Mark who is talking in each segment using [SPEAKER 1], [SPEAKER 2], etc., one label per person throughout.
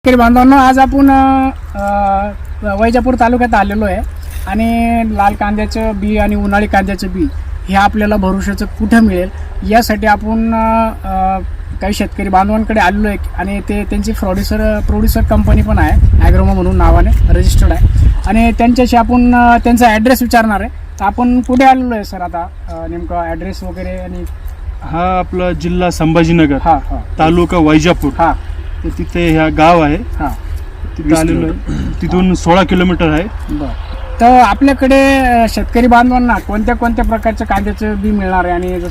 [SPEAKER 1] शेतकरी बांधवांनो, आज आपण वैजापूर तालुक्यात आलेलो आहे आणि लाल कांद्याचं बी आणि उन्हाळी कांद्याचं बी हे आपल्याला भरोशाचं कुठं मिळेल यासाठी आपण काही शेतकरी बांधवांकडे आलेलो आहे आणि ते त्यांची प्रोड्युसर कंपनी पण आहे, ॲग्रोमा म्हणून नावाने रजिस्टर्ड आहे आणि त्यांच्याशी आपण त्यांचा ॲड्रेस विचारणार आहे. तर आपण कुठे आलेलो आहे सर आता, नेमका ॲड्रेस वगैरे? आणि
[SPEAKER 2] हा आपला जिल्हा संभाजीनगर,
[SPEAKER 1] हां हां,
[SPEAKER 2] तालुका वैजापूर.
[SPEAKER 1] हां,
[SPEAKER 2] तर तिथे ह्या गाव आहे,
[SPEAKER 1] हां,
[SPEAKER 2] तिथे आलेलो आहे. तिथून 16 किलोमीटर आहे.
[SPEAKER 1] बरं. तर आपल्याकडे शेतकरी बांधवांना कोणत्या कोणत्या प्रकारचं कांद्याचं बी मिळणार आहे आणि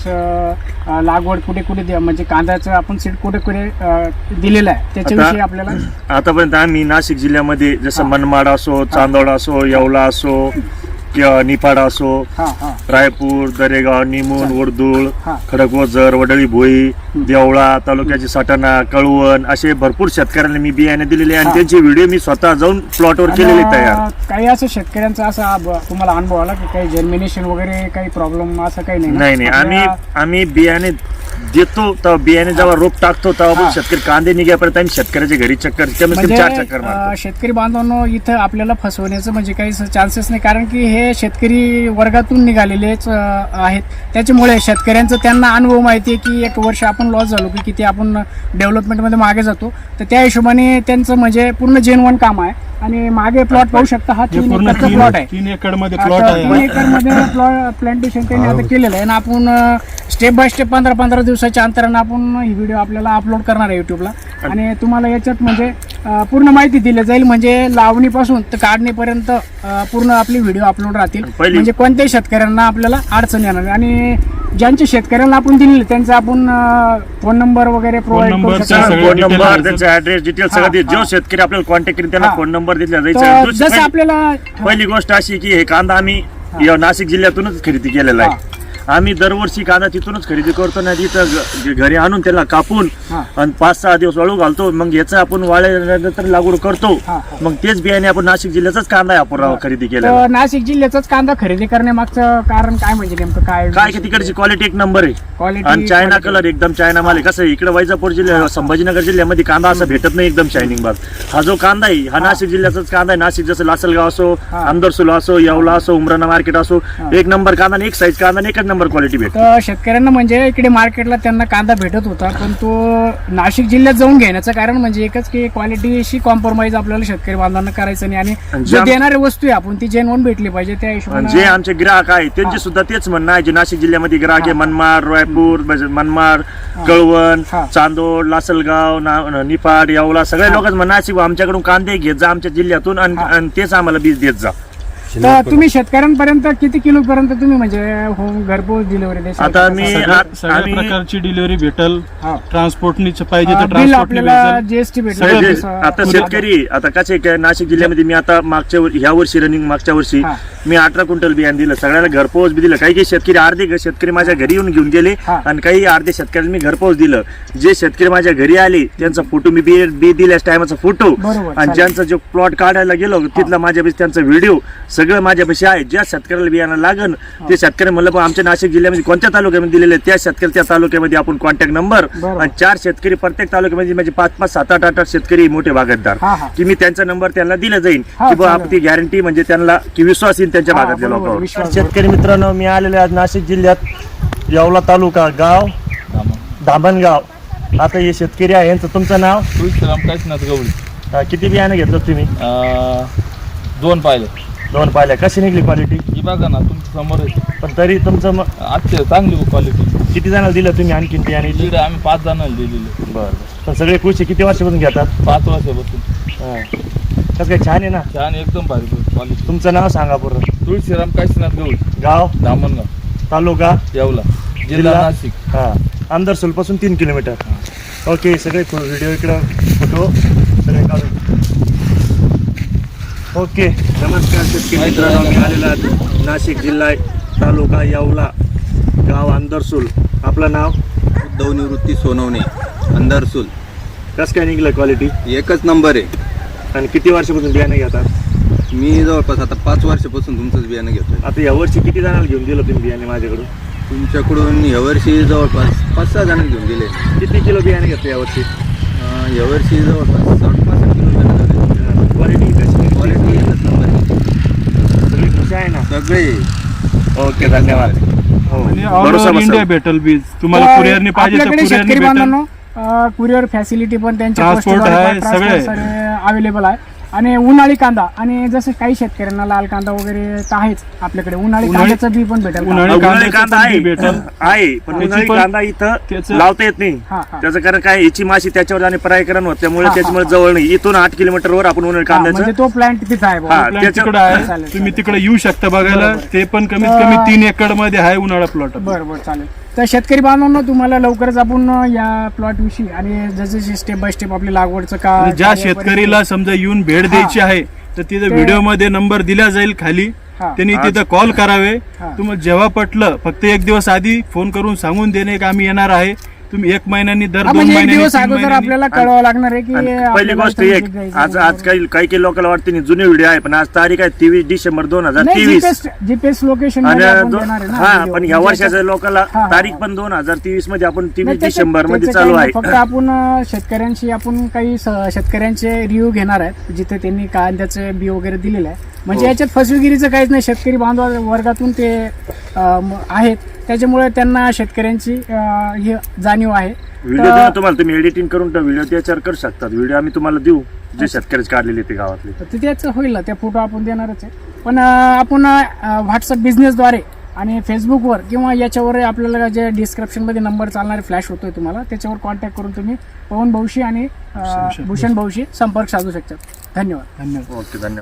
[SPEAKER 1] जसं लागवड कुठे कुठे म्हणजे कांद्याचं आपण सीड कुठे कुठे दिलेलं आहे त्याच्याविषयी आपल्याला
[SPEAKER 3] आतापर्यंत आम्ही नाशिक जिल्ह्यामध्ये जसं मनमाड असो, चांदोड असो, येवला असो किंवा निफाड असो, रायपूर, दरेगाव, निमून, वर्दुळ, खडकवजर, वडळी भोई, देवळा तालुक्याची सटाणा, कळवण असे भरपूर शेतकऱ्यांना मी बियाणे दिलेले आणि त्यांचे व्हिडिओ मी स्वतः जाऊन प्लॉटवर केलेले तयार.
[SPEAKER 1] काही असं शेतकऱ्यांचा असा तुम्हाला अनुभव आला की काही जर्मिनेशन वगैरे काही प्रॉब्लेम असं काही नाही?
[SPEAKER 3] नाही, आम्ही बियाणे देतो तेव्हा बियाणे जेव्हा रोप टाकतो तेव्हा शेतकरी कांदे निघापर्यंत आम्ही शेतकऱ्याच्या घरी चक्कर 4 चक्कर मारतो.
[SPEAKER 1] शेतकरी बांधवांनो, इथं आपल्याला फसवण्याचं म्हणजे काही चान्सेस नाही, कारण की हे शेतकरी वर्गातून निघालेलेच आहेत. त्याच्यामुळे शेतकऱ्यांचं त्यांना अनुभव माहिती आहे की 1 वर्ष आपण लॉस झालो की किती आपण डेव्हलपमेंटमध्ये मागे जातो. तर त्या हिशोबाने त्यांचं म्हणजे पूर्ण जेन्युइन काम आहे. आणि मागे प्लॉट पाहू शकता, हा 3 एकरचा प्लॉट आहे.
[SPEAKER 2] 3 एकरमध्ये प्लॉट आहे.
[SPEAKER 1] 3 एकरमध्ये प्लांटेशन त्यांनी आता केलेलं आहे आणि आपण स्टेप बाय स्टेप 15-15 दिवसाच्या अंतरानं आपण ही व्हिडिओ आपल्याला अपलोड करणार आहे युट्यूबला आणि तुम्हाला याच्यात म्हणजे पूर्ण माहिती दिली जाईल. म्हणजे लावणीपासून तर काढणीपर्यंत पूर्ण आपली व्हिडिओ अपलोड राहतील. म्हणजे कोणत्याही शेतकऱ्यांना आपल्याला अडचण येणार नाही आणि ज्यांच्या शेतकऱ्यांना आपण दिलेले त्यांचा आपण फोन नंबर वगैरे प्रोव्हाइड करू शकतो.
[SPEAKER 3] फोन नंबर, त्यांचा ऍड्रेस, डिटेल सगळं जो शेतकरी आपल्याला कॉन्टॅक्ट करेल त्यांना फोन नंबर दिला जायचा.
[SPEAKER 1] जसं आपल्याला
[SPEAKER 3] पहिली गोष्ट अशी की हे कांदा आम्ही नाशिक जिल्ह्यातूनच खरेदी केलेला आहे. आम्ही दरवर्षी कांदा तिथूनच खरेदी करतो ना, तिथं घरी आणून त्याला कापून आणि 5-6 दिवस वाळू घालतो. मग याचं आपण वाळल्यानंतर लागवड करतो. मग तेच बियाणे आपण नाशिक जिल्ह्याचाच कांदा आपण खरेदी केला.
[SPEAKER 1] नाशिक जिल्ह्याचाच कांदा खरेदी करण्यामागचं कारण काय म्हणजे नेमकं काय
[SPEAKER 3] की तिकडची क्वालिटी एक नंबर आहे
[SPEAKER 1] क्वालिटी
[SPEAKER 3] आणि चायना कलर एकदम चायना माल आहे. कसं इकडे वैजापूर जिल्ह्यात, संभाजीनगर जिल्ह्यामध्ये कांदा असा भेटत नाही एकदम शायनिंग भाग. हा जो कांदा आहे हा नाशिक जिल्ह्याचाच कांदा आहे. नाशिक जसं लासलगाव असो, आमदरसूल असो, येवला असो, उमराणा मार्केट असो, एक नंबर कांदा आणि एक साईज कांदा आणि एकच नंबर क्वालिटी भेटतो.
[SPEAKER 1] शेतकऱ्यांना म्हणजे इकडे मार्केटला त्यांना कांदा भेटत होता, पण तो नाशिक जिल्ह्यात जाऊन घेण्याचं कारण म्हणजे एकच की क्वालिटीशी कॉम्प्रोमाइज आपल्याला शेतकरी बांधवांना करायचं नाही आणि जे देणारी वस्तू आहे आपण ती जेन्युइन भेटली पाहिजे. त्या हिशोबाने
[SPEAKER 3] जे आमचे ग्राहक आहे त्यांचे सुद्धा तेच म्हणणं आहे. जे नाशिक जिल्ह्यामध्ये ग्राहक आहे, मनमाड, रायपूर, मनमाड, कळवण, चांदोड, लासलगाव, निफाड, येवला सगळ्या लोकांचं म्हणणं आहे आमच्याकडून कांदे घेत जा आमच्या जिल्ह्यातून आणि तेच आम्हाला बीज देत जा.
[SPEAKER 1] तर तुम्ही शेतकऱ्यांपर्यंत किती किलो पर्यंत तुम्ही म्हणजे होम घरपोच डिलिव्हरी देता?
[SPEAKER 3] आता
[SPEAKER 2] सगळ्या प्रकारची डिलिव्हरी भेटल. ट्रान्सपोर्टनी पाहिजे तर
[SPEAKER 1] बिल आपल्याला जीएसटी भेटेल.
[SPEAKER 3] आता शेतकरी आता कसे नाशिक जिल्ह्यामध्ये मी आता ह्या वर्षी मागच्या वर्षी मी 18 क्विंटल बियाणे दिलं, सगळ्याला घरपोच बी दिलं. काही शेतकरी अर्धे शेतकरी माझ्या घरी येऊन घेऊन गेले आणि काही अर्धे शेतकऱ्यांनी मी घरपोच दिलं. जे शेतकरी माझ्या घरी आले त्यांचा फोटो मी बी दिल्यास टायमाचा फोटो आणि ज्यांचा जो प्लॉट काढायला गेलो तिथला माझ्यापाशी त्यांचा व्हिडिओ सगळं माझ्यापाशी आहे. ज्या शेतकऱ्याला बियाणं लागन ते शेतकरी म्हणलं पण आमच्या नाशिक जिल्ह्यामध्ये कोणत्या तालुक्यामध्ये दिलेले त्या शेतकरी त्या तालुक्यामध्ये आपण कॉन्टॅक्ट नंबर आणि 4 शेतकरी प्रत्येक तालुक्यामध्ये म्हणजे 5-5, 7-8 शेतकरी मोठे बागायतदार की मी त्यांचा नंबर त्यांना दिला जाईल की बाबा आपली गॅरंटी म्हणजे त्यांना की विश्वास येईल त्यांच्या भागातल्या लोकांवर. शेतकरी मित्रांनो, मी आलेले आज नाशिक जिल्ह्यात येवला तालुका, गाव धामणगाव. आता हे शेतकरी आहे, यांचं तुमचं नाव?
[SPEAKER 4] काशीनाथ गवळी.
[SPEAKER 3] किती बियाणं घेतलं तुम्ही?
[SPEAKER 4] 2
[SPEAKER 3] पाहिल्या. कशी निघली क्वालिटी?
[SPEAKER 4] ही बघा ना तुमच्या समोर आहे.
[SPEAKER 3] पण तरी तुमचं
[SPEAKER 4] आजच्या चांगली क्वालिटी.
[SPEAKER 3] किती जणांना दिलं तुम्ही आणखी बियाणे?
[SPEAKER 4] आम्ही 5 जणांना दिलेले.
[SPEAKER 3] बरं. पण सगळे कृषी किती वर्षापासून घेतात?
[SPEAKER 4] 5 वर्षापासून.
[SPEAKER 3] कसं काय, छान आहे ना?
[SPEAKER 4] छान, एकदम भारी क्वालिटी.
[SPEAKER 3] तुमचं नाव सांगा पूर्ण?
[SPEAKER 4] तुळशीराम काशीनाथ गवळी,
[SPEAKER 3] गाव
[SPEAKER 4] धामणगाव,
[SPEAKER 3] तालुका
[SPEAKER 4] येवला, जिल्हा नाशिक.
[SPEAKER 3] आमदारसूल पासून 3 किलोमीटर. ओके, सगळे व्हिडिओ इकडं फोटो सगळे काढून. ओके, नमस्कार शेतकरी मित्रांनो, मी आलेला नाशिक जिल्हा तालुका येवला, गाव आमदारसूल. आपलं नाव?
[SPEAKER 5] उद्धव निवृत्ती सोनवणे, अंधारसूल.
[SPEAKER 3] कसं काय निघलं क्वालिटी?
[SPEAKER 5] एकच नंबर आहे.
[SPEAKER 3] आणि किती वर्षापासून बियाणे घेतात?
[SPEAKER 5] मी जवळपास आता 5 वर्षापासून तुमचंच बियाणं घेतोय.
[SPEAKER 3] आता यावर्षी किती जणांना घेऊन दिलं तुम्ही बियाणे माझ्याकडून?
[SPEAKER 5] तुमच्याकडून यावर्षी जवळपास 5-6 जणांना घेऊन दिले.
[SPEAKER 3] किती किलो बियाणे घेतले यावर्षी?
[SPEAKER 5] यावर्षी जवळपास 60-65 किलो सगळे
[SPEAKER 3] ओके धन्यवाद. हो,
[SPEAKER 2] आणि ऑल
[SPEAKER 3] भरोसा
[SPEAKER 2] ओव्हर
[SPEAKER 3] बसेल.
[SPEAKER 2] इंडिया भेटल बीज. तुम्हाला कुरिअरने पाहिजे तर
[SPEAKER 1] आपल्याकडे
[SPEAKER 2] कुरिअरने
[SPEAKER 1] शेतकरी
[SPEAKER 2] भेटेल.
[SPEAKER 1] बांधवांनो कुरिअर फॅसिलिटी पण त्यांच्या
[SPEAKER 2] Transport आहे, सगळे.
[SPEAKER 1] अवेलेबल आहे. आणि उन्हाळी कांदा आणि जसं काही शेतकऱ्यांना लाल कांदा वगैरे तर आहेच आपल्याकडे, उन्हाळी कांद्याचं बी पण भेटेल.
[SPEAKER 2] उन्हाळी
[SPEAKER 3] उन्हाळी
[SPEAKER 2] कांद्याचं
[SPEAKER 3] कांदा
[SPEAKER 2] पण
[SPEAKER 3] आहे
[SPEAKER 2] बी भेटेल.
[SPEAKER 3] आहे पण
[SPEAKER 2] त्याची
[SPEAKER 3] उन्हाळी
[SPEAKER 2] पण-
[SPEAKER 3] कांदा इथं
[SPEAKER 2] त्याचं-
[SPEAKER 3] लावता येत नाही.
[SPEAKER 1] हा, हा.
[SPEAKER 3] त्याचं कारण काय याची माशी त्याच्यावर आणि परागीकरण होत त्यामुळे
[SPEAKER 1] हा, हा,
[SPEAKER 3] त्याच्यामुळे
[SPEAKER 1] हा.
[SPEAKER 3] जवळ नाही. इथून 8 किलोमीटरवर आपण उन्हाळी
[SPEAKER 1] हा, म्हणजे
[SPEAKER 3] कांद्याचं
[SPEAKER 1] तो प्लांट तिथं आहे बुवा.
[SPEAKER 3] हा,
[SPEAKER 2] प्लॉट
[SPEAKER 3] त्याचं-
[SPEAKER 2] तिकडे आहे.
[SPEAKER 1] चालेल,
[SPEAKER 2] तुम्ही
[SPEAKER 1] चालेल.
[SPEAKER 2] तिकडे येऊ शकता बघायला.
[SPEAKER 1] बरोबर.
[SPEAKER 2] ते पण कमीत कमी 3 एकर मध्ये आहे उन्हाळा प्लॉट.
[SPEAKER 1] बरं बरं चालेल. तर शेतकरी बांधवांनो तुम्हाला लवकरच आपण या प्लॉट विषयी आणि जसे स्टेप बाय स्टेप आपली लागवडचं का
[SPEAKER 2] आणि ज्या शेतकरीला समजा येऊन भेट द्यायची आहे तर तिथे व्हिडिओ मध्ये नंबर दिला जाईल खाली.
[SPEAKER 1] हा.
[SPEAKER 2] त्यांनी तिथं कॉल करावे.
[SPEAKER 1] हा.
[SPEAKER 2] तुम्हाला जेव्हा पटलं फक्त एक दिवस आधी फोन करून सांगून देणे की आम्ही येणार आहे. तुम्ही 1 महिन्यांनी दर 2
[SPEAKER 1] म्हणजे एक
[SPEAKER 2] महिन्यांनी
[SPEAKER 1] दिवस
[SPEAKER 2] 3
[SPEAKER 1] अगोदर
[SPEAKER 2] महिन्यांनी
[SPEAKER 1] आपल्याला कळवावं लागणार आहे की
[SPEAKER 3] आणि पहिली
[SPEAKER 1] आपल्याला
[SPEAKER 3] गोष्ट
[SPEAKER 1] इथं
[SPEAKER 3] एक
[SPEAKER 1] जायचं
[SPEAKER 3] आज
[SPEAKER 1] आहे.
[SPEAKER 3] काही लोकांना वाटते नाही जुने व्हिडिओ आहे पण आज तारीख आहे 23 डिसेंबर
[SPEAKER 1] नाही,
[SPEAKER 3] 2023
[SPEAKER 1] जीपीएस लोकेशन
[SPEAKER 3] आणि
[SPEAKER 1] हा
[SPEAKER 3] पण ह्या वर्षाच्या लोकांना तारीख पण 2023 मध्ये आपण 23 डिसेंबर मध्ये चालू आहे.
[SPEAKER 1] फक्त आपण शेतकऱ्यांशी आपण काही शेतकऱ्यांचे रिव्ह्यू घेणार आहेत जिथे त्यांनी कांद्याचे बी वगैरे दिलेले आहे. म्हणजे याच्यात फसवेगिरीचं काहीच नाही. शेतकरी बांधव वर्गातून ते आहेत त्याच्यामुळे त्यांना शेतकऱ्यांची ही जाणीव आहे.
[SPEAKER 3] व्हिडिओ देऊ ना तुम्हाला, तुम्ही एडिटिंग करून व्हिडिओ त्याच्यावर करू शकतात. व्हिडिओ आम्ही तुम्हाला देऊ जे शेतकरीच काढलेले ते गावातले.
[SPEAKER 1] तर त्याच होईल ना, त्या फोटो आपण देणारच आहे. पण आपण व्हॉट्सअप बिझनेसद्वारे आणि फेसबुकवर किंवा याच्यावर आपल्याला जे डिस्क्रिप्शनमध्ये नंबर चालणारे फ्लॅश होतोय तुम्हाला त्याच्यावर कॉन्टॅक्ट करून तुम्ही पवन भाऊशी आणि भूषण भाऊशी संपर्क साधू शकता. धन्यवाद.
[SPEAKER 2] धन्यवाद.
[SPEAKER 3] ओके धन्यवाद.